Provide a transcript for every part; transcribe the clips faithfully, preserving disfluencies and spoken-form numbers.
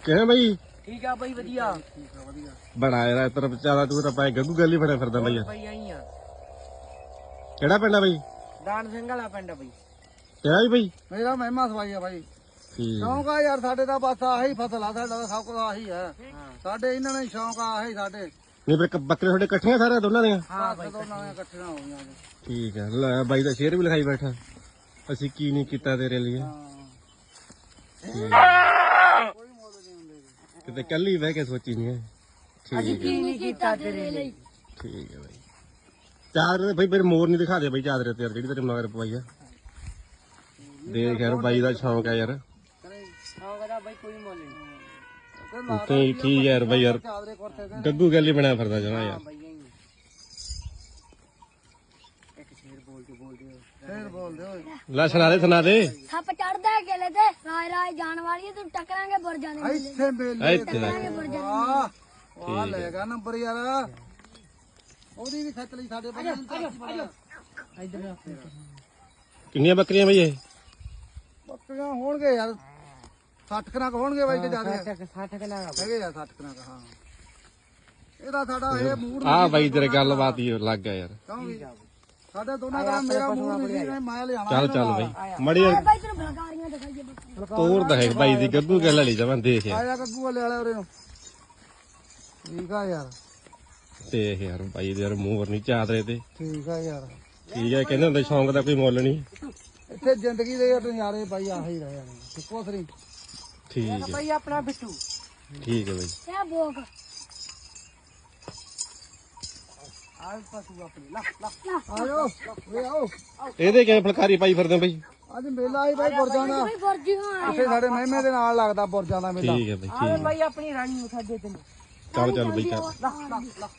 ਕਿਵੇਂ ਬਾਈ? ਠੀਕ ਆ ਬਾਈ ਵਧੀਆ। ਬੜਾ ਯਾਰ ਤੇਰਾ ਵਿਚਾਰਾ ਤੂੰ ਤਾਂ ਪਾਏ ਗੱਗੂ ਗੱਲ ਹੀ ਫੜਿਆ ਫਿਰਦਾ ਬਾਈ। ਬਾਈ ਆਈ ਆ। ਕਿਹੜਾ ਪਿੰਡ ਆ ਬਾਈ? ਦਾਨ ਸਿੰਘ ਵਾਲਾ ਪਿੰਡ ਆ ਬਾਈ। ਤੇਰਾ ਵੀ ਬਾਈ? ਮੇਰਾ ਮਹਿਮਾ ਸਵਾਈ ਆ ਬਾਈ। ਠੀਕ ਸ਼ੌਂਕ ਆ ਯਾਰ ਸਾਡੇ ਤਾਂ ਬਸ ਆਹੀ ਫਸਲ ਆ, ਸਾਡਾ ਤਾਂ ਸਭ ਕੁਝ ਆਹੀ ਹੈ ਸਾਡੇ। ਇਹਨਾਂ ਨੇ ਸ਼ੌਂਕ ਆ ਆਹੀ ਸਾਡੇ। ਨਹੀਂ ਫਿਰ ਬੱਕਰੇ ਤੁਹਾਡੇ ਇਕੱਠੀਆਂ ਸਾਰੇ ਦੋਨਾਂ ਦੀਆਂ? ਹਾਂ ਬਾਈ ਦੋਨਾਂ ਦੀਆਂ ਇਕੱਠੀਆਂ ਹੋ ਗਈਆਂ ਜੀ। ਠੀਕ ਹੈ ਲੈ ਬਾਈ ਦਾ ਸ਼ੇਰ ਵੀ ਲਿਖਾਈ ਬੈਠਾ, ਅਸੀਂ ਕੀ ਨਹੀਂ ਕੀਤਾ ਤੇਰੇ ਲਈ। ਕੋਈ ਮੁੱਲ ਨਹੀਂ ਹੁੰਦੇ ਕਿਤੇ ਕੱਲੀ ਬਹਿ ਕੇ ਸੋਚੀ ਨਹੀਂ ਹੈ। ਅਸੀਂ ਠੀਕ ਕੀ ਹੈ ਨਹੀਂ ਕੀਤਾ ਤੇਰੇ ਲਈ। ਠੀਕ ਹੈ ਬਾਈ। ਚਾਦਰੇ ਬਾਈ ਮੇਰੇ ਮੋਰ ਨਹੀਂ ਦਿਖਾ ਦੇ ਬਾਈ ਚਾਦਰੇ ਤੇ ਯਾਰ ਜਿਹੜੀ ਤੇਰੇ ਮਗਰ ਪਵਾਈ ਆ। ਦੇਖ ਯਾਰ ਬਾਈ ਦਾ ਸ਼ੌਂਕ ਆ ਯਾਰ। ਸ਼ੌਂਕ ਦਾ ਬਾਈ ਕੋਈ ਮੁੱਲ ਨਹੀਂ। ਤੇ ਠੀਕ ਹੈ ਯਾਰ ਬਾਈ ਯਾਰ ਚਾਦਰੇ ਕੁਰਤੇ ਤੇ ਗੱਗੂ ਗੱਲ ਹੀ ਬਣਿਆ ਫਿਰਦਾ ਜਮਾ ਯਾਰ। ਬਾਈ ਆਈ ਇੱਕ ਸ਼ੇਰ ਬੋਲ ਕੇ ਬੋਲ ਦਿਓ। ਫੇਰ ਬੋਲਦੇ ਓਏ। ਲੈ ਸੁਣਾ ਦੇ ਸੁਣਾ ਦੇ। ਸੱਪ ਚੜਦਾ ਹੈ ਕਿਲੇ ਤੇ ਰਾਜ ਰਾਜ ਜਾਣ ਵਾਲੀ ਹੈ, ਤੂੰ ਟਕਰਾਂਗੇ ਬੁਰਜਾਂ ਦੇ ਮੇਲੇ ਇੱਥੇ ਮੇਲੇ ਇੱਥੇ ਦੇਖ। ਵਾਹ ਵਾਹ ਲੈ ਗਾ ਨੰਬਰ ਯਾਰ। ਉਹਦੀ ਵੀ ਖੱਚ ਲਈ ਸਾਡੇ ਬੰਦੇ ਨੇ। ਇਧਰ ਕਿੰਨੀਆਂ ਬੱਕਰੀਆਂ ਬਾਈ ਇਹ? ਬੱਕਰੀਆਂ ਹੋਣਗੇ ਯਾਰ ਸੱਠ ਕਨਾਕ ਹੋਣਗੇ ਬਾਈ ਤੇ ਜ਼ਿਆਦਾ ਸੱਠ ਕਿਲਾ ਹੈਗੇ ਆ ਸੱਠ ਕਨਾਕ। ਹਾਂ ਇਹਦਾ ਸਾਡਾ ਇਹ ਮੂਡ ਆ ਬਾਈ ਤੇਰੇ ਗੱਲਬਾਤ ਹੀ ਲੱਗ ਗਿਆ ਯਾਰ। ਕਿਉਂ ਵੀ ਸਾਡੇ ਦੋਨਾਂ ਦਾ ਮੇਰਾ ਮੂਡ ਨਹੀਂ ਸੀ ਮੈਂ ਲਿਆਣਾ। ਚੱਲ ਚੱਲ ਬਾਈ ਮੜੀ ਬਾਈ ਤੈਨੂੰ ਬਲਕਾਰੀਆਂ ਦਿਖਾਈਏ ਬਸ। ਤੋਰ ਦਾ ਹੈ ਬਾਈ ਦੀ ਗੱਗੂ ਗੱਲ ਵਾਲੀ ਜਮਾਂ ਦੇਖ ਯਾਰ। ਆਇਆ ਗੱਗੂ ਵਾਲੇ ਵਾਲੇ ਉਰੇ ਨੂੰ। ਠੀਕ ਆ ਯਾਰ ਦੇਖ ਯਾਰ ਬਾਈ ਦੇ ਯਾਰ ਮੂੰਹ ਨਹੀਂ ਚਾਦਰੇ ਤੇ। ਠੀਕ ਆ ਯਾਰ। ਠੀਕ ਹੈ ਕਹਿੰਦੇ ਹੁੰਦੇ ਸ਼ੌਂਕ ਦਾ ਕੋਈ ਮੁੱਲ ਨਹੀਂ। ਇੱਥੇ ਜ਼ਿੰਦਗੀ ਦੇ ਯਾਰ ਨਜ਼ਾਰੇ ਬਾਈ ਆਹੀ ਰਹੇ ਨੇ ਕੁਛ ਨਹੀਂ। ਠੀਕ ਹੈ ਬਾਈ ਆਪਣਾ ਬਿੱਟੂ। ਠੀਕ ਹੈ ਬਾਈ। ਇਹ ਬੋਕ ਆਹ ਪਸ਼ੂ ਆਪਣੇ ਲਾ ਲਾ ਆਜੋ ਵੇ ਆਓ। ਇਹਦੇ ਕਿਵੇਂ ਫਲਕਾਰੀ ਪਾਈ ਫਿਰਦੇ ਹੋ ਬਾਈ? ਅੱਜ ਮੇਲਾ ਆਈ ਬਾਈ ਬੁਰਜਾਂ ਦਾ। ਕੋਈ ਬੁਰਜੀ ਹਾਂ ਇੱਥੇ ਸਾਡੇ ਮਹਿਮੇ ਦੇ ਨਾਲ ਲੱਗਦਾ ਬੁਰਜਾਂ ਦਾ ਮੇਲਾ। ਠੀਕ ਹੈ ਬਾਈ ਆਹ ਠੀਕ ਹੈ। ਬਾਈ ਆਪਣੀ ਰਾਣੀ ਨੂੰ ਸਾਡੇ ਤੈਨੂੰ। ਚੱਲ ਚੱਲ ਬਾਈ ਚੱਲ। ਲਾ ਲਾ ਲਾ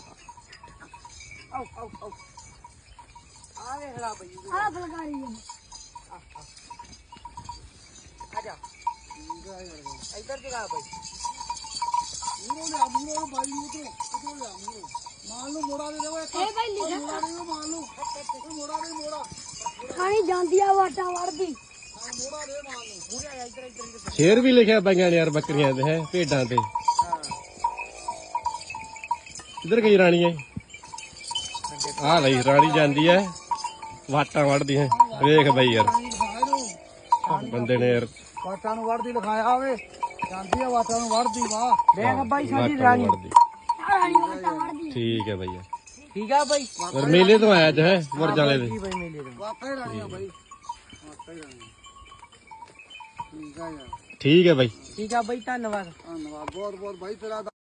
ਆਓ ਆਓ ਆਓ ਆ ਵੇਖ ਲਾ ਬਾਈ ਆ ਬਲਕਾਰੀ ਹੈ। ਆ ਜਾ ਇੱਧਰ ਜਗਾ ਬਾਈ। ਮੂਰੋ ਲਿਆ ਮੂਰੋ ਬਾਈ ਨੂੰ ਉਤਰੋ ਉਤਰੋ ਲਿਆ ਮੂਰੋ। ਮਾਲ ਨੂੰ ਮੋੜਾ ਦੇ ਦੇਵੋ ਇੱਕ। ਇਹ ਬਾਈ ਲਿਖਿਆ ਮੋੜਾ ਦੇ ਦਿਓ ਮਾਲ ਨੂੰ। ਇਹ ਮੋੜਾ ਦੇ ਮੋੜਾ। ਖਾਣੀ ਜਾਂਦੀ ਆ ਵਾਟਾਂ ਵੜਦੀ। ਹਾਂ ਮੋੜਾ ਦੇ ਮਾਲ ਨੂੰ। ਪੂਰਾ ਇੱਧਰ ਇੱਧਰ ਸ਼ੇਰ ਵੀ ਲਿਖਿਆ ਬਾਈਆਂ ਨੇ ਯਾਰ ਬੱਕਰੀਆਂ ਤੇ ਹੈ ਭੇਡਾਂ ਤੇ। ਹਾਂ ਕਿੱਧਰ ਗਈ ਰਾਣੀ ਹੈ? ਆ ਲਈ ਰਾਣੀ ਜਾਂਦੀ ਹੈ ਵਾਟਾਂ ਵੜਦੀ ਹੈ। ਵੇਖ ਬਾਈ ਯਾਰ ਬੰਦੇ ਨੇ ਯਾਰ ਵਾਟਾਂ ਨੂੰ ਵੜਦੀ ਲਿਖਾਇਆ ਹੋਵੇ। ਜਾਂਦੀ ਆ ਵਾਟਾਂ ਨੂੰ ਵੜਦੀ। ਵਾਹ ਦੇਖ ਬਾਈ ਸਾਡੀ ਵਾਟਾਂ ਰਾਣੀ। ਵੜਦੀ। ਆ ਰਾਣੀ ਵਾਟਾਂ ਵੜਦੀ। ਠੀਕ ਹੈ ਬਾਈ ਯਾਰ। ਠੀਕ ਆ ਬਾਈ। ਔਰ ਮੇਲੇ ਤੋਂ ਆਇਆ ਅੱਜ ਹੈ ਮੁਰਜਾਂ ਵਾਲੇ ਦੇ। ਕੀ ਬਾਈ ਮੇਲੇ ਦਾ ਵਾਟਾਂ ਹੀ ਰਾਣੀਆਂ ਬਾਈ। ਵਾਟਾਂ ਹੀ ਰਾਣੀਆਂ। ਠੀਕ ਆ ਯਾਰ। ਠੀਕ ਹੈ ਬਾਈ। ਠੀਕ ਆ ਬਾਈ ਧੰਨਵਾਦ। ਧੰਨਵਾਦ ਬਹੁਤ ਬਹੁਤ ਬਾਈ ਤੇਰਾ।